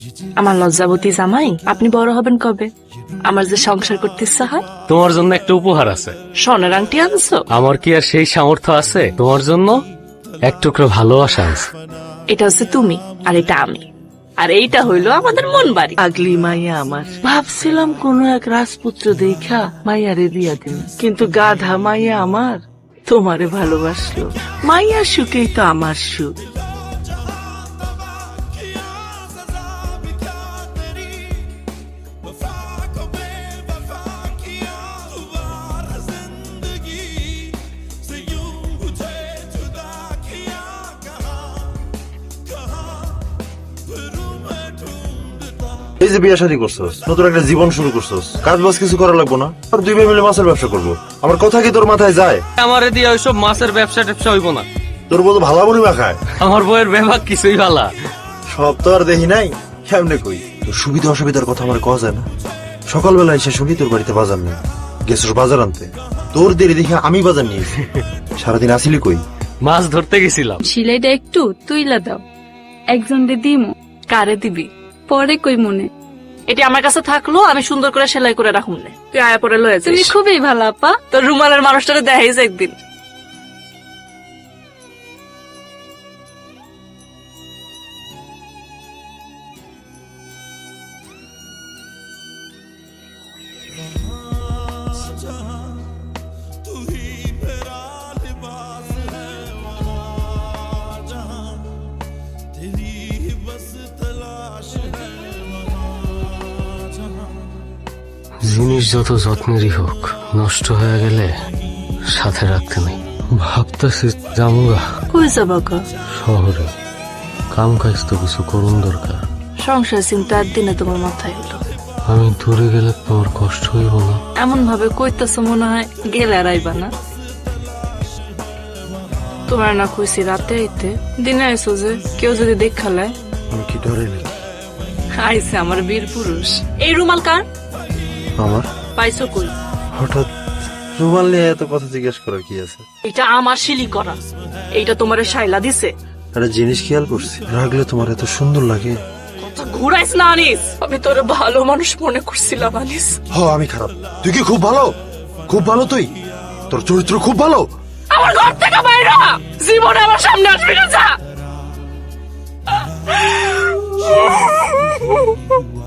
আমার লজ্জাবতী জামাই, আপনি বড় হবেন কবে? আমার যে সংসার করতে ইচ্ছা হয়। তোমার জন্য একটা উপহার আছে। স্বর্ণের আংটি আনছো? আমার কি আর সেই সামর্থ্য আছে? তোমার জন্য এক টুকরো ভালোবাসা আছে। এটা হচ্ছে তুমি, আর এটা আমি, আর এইটা হইলো আমাদের মন বাড়ি। আগলি মাইয়া আমার, ভাবছিলাম কোন এক রাজপুত্র দেখা মাইয়ারে বিয়া দিন, কিন্তু গাধা মাইয়া আমার তোমারে ভালোবাসলো। মাইয়ার সুখেই তো আমার সুখ। এই যে বিয়ে শাদী করছস, নতুন একটা জীবন শুরু করছস, কাজ বাজ কিছু করা লাগবো না? আর দুই ভাই মিলে মাছের ব্যবসা করবো। আমার কথা কি তোর মাথায় যায়? আমারে দিয়ে ওইসব মাছের ব্যবসা ট্যাবসা হইব না। তোর বউ তো ভালা বুড়ি মাখায়। আমার বইয়ের ব্যবহার কিছুই ভালা। সব তো আর দেখি নাই, কেমনে কই? তোর সুবিধা অসুবিধার কথা আমার কওয়া যায় না। সকালবেলা এসে শুনি তোর বাড়িতে বাজার নেই, গেছস বাজার আনতে। তোর দেরি দেখে আমি বাজার নিয়েছি। সারাদিন আসিলি কই? মাছ ধরতে গেছিলাম। সিলাইটা একটু তুইলা দাও, একজন দিমু। কারে দিবি? পরে কই মনে। এটি আমার কাছে থাকলো, আমি সুন্দর করে সেলাই করে রাখুন। তুই আয়া পরে লয়ে তুমি যাস। খুবই ভালো আপা। তোর রুমালের মানুষটারে দেখাইস একদিন। জিনিস যত যত্নেরই হোক, নষ্ট হয়ে গেলে সাথে রাখতে নেই। ভাবতেছি জামুগা কই যাবা গো? শহরে কাম কাজ তো কিছু করুন দরকার। সংসার চিন্তা দিনে তোমার মাথায় হলো। আমি দূরে গেলে তোমার কষ্ট হইব না? এমন ভাবে কইতেছ মনে হয় গেলে আর আইবা না। তোমার না কইছি রাতে আইতে, দিনে আইসো যে কেউ যদি দেখালায়। আমি কি ডরে নাকি? আইছে আমার বীর পুরুষ। এই রুমাল কার? আমার পাইছো কই? হঠাৎ রুমাল নিয়ে এত কথা জিজ্ঞেস করার কি আছে? এটা আমার শিলি করা। এইটা তোমারে শাইলা দিছে। একটা জিনিস খেয়াল করছি, রাখলে তোমার এত সুন্দর লাগে। ঘুরাইস না আনিস, আমি তোর ভালো মানুষ মনে করছিলাম আনিস। আমি খারাপ? তুই কি খুব ভালো? খুব ভালো তুই? তোর চরিত্র খুব ভালো। আমার ঘর থেকে বাইরে জীবনে আমার সামনে আসবি না, যা।